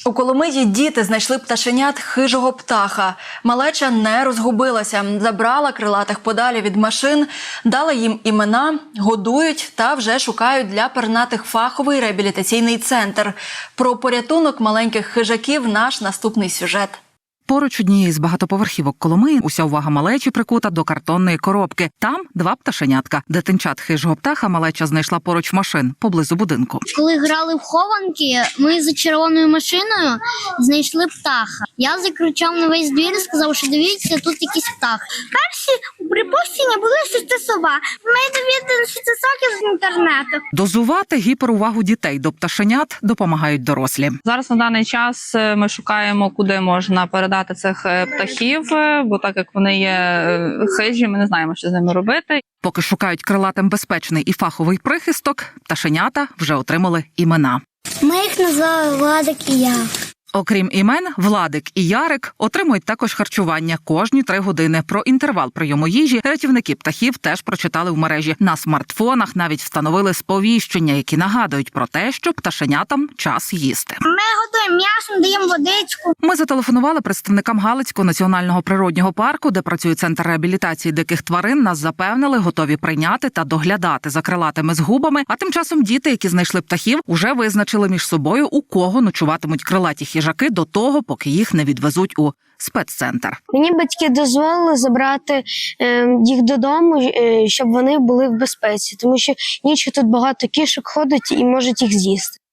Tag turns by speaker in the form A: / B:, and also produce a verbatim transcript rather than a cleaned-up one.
A: У Коломиї діти знайшли пташенят хижого птаха. Малеча не розгубилася, забрала крилатих подалі від машин, дала їм імена, годують та вже шукають для пернатих фаховий реабілітаційний центр. Про порятунок маленьких хижаків наш наступний сюжет.
B: Поруч однієї з багатоповерхівок Коломиї уся увага малечі прикута до картонної коробки. Там два пташенятка. Дитинчат хижого птаха малеча знайшла поруч машин, поблизу будинку.
C: Коли грали в хованки, ми за червоною машиною знайшли птаха. Я закричав на весь двір і сказав, що дивіться, тут якийсь птах. Перші припущення були, що це сова. Ми довідалися, що це соки з інтернету.
B: Дозувати гіперувагу дітей до пташенят допомагають дорослі.
D: Зараз на даний час ми шукаємо, куди можна передати цих птахів, бо так як вони є хижі, ми не знаємо, що з ними робити.
B: Поки шукають крилатим безпечний і фаховий прихисток, пташенята вже отримали імена.
C: Ми їх назвали Владик і я.
B: Окрім імен, Владик і Ярик отримують також харчування кожні три години. Про інтервал прийому їжі рятівники птахів теж прочитали в мережі. На смартфонах навіть встановили сповіщення, які нагадують про те, що пташенятам час їсти.
C: Ми готуємо м'ясо, даємо водичку.
B: Ми зателефонували представникам Галицького національного природнього парку, де працює центр реабілітації диких тварин. Нас запевнили, готові прийняти та доглядати за крилатими згубами. А тим часом діти, які знайшли птахів, уже визначили між собою, у кого ночуватимуть крилаті хижаки до того, поки їх не відвезуть у спеццентр.
E: Мені батьки дозволили забрати е, їх додому, е, щоб вони були в безпеці, тому що ніч тут багато кішок ходить і можуть їх з'їсти.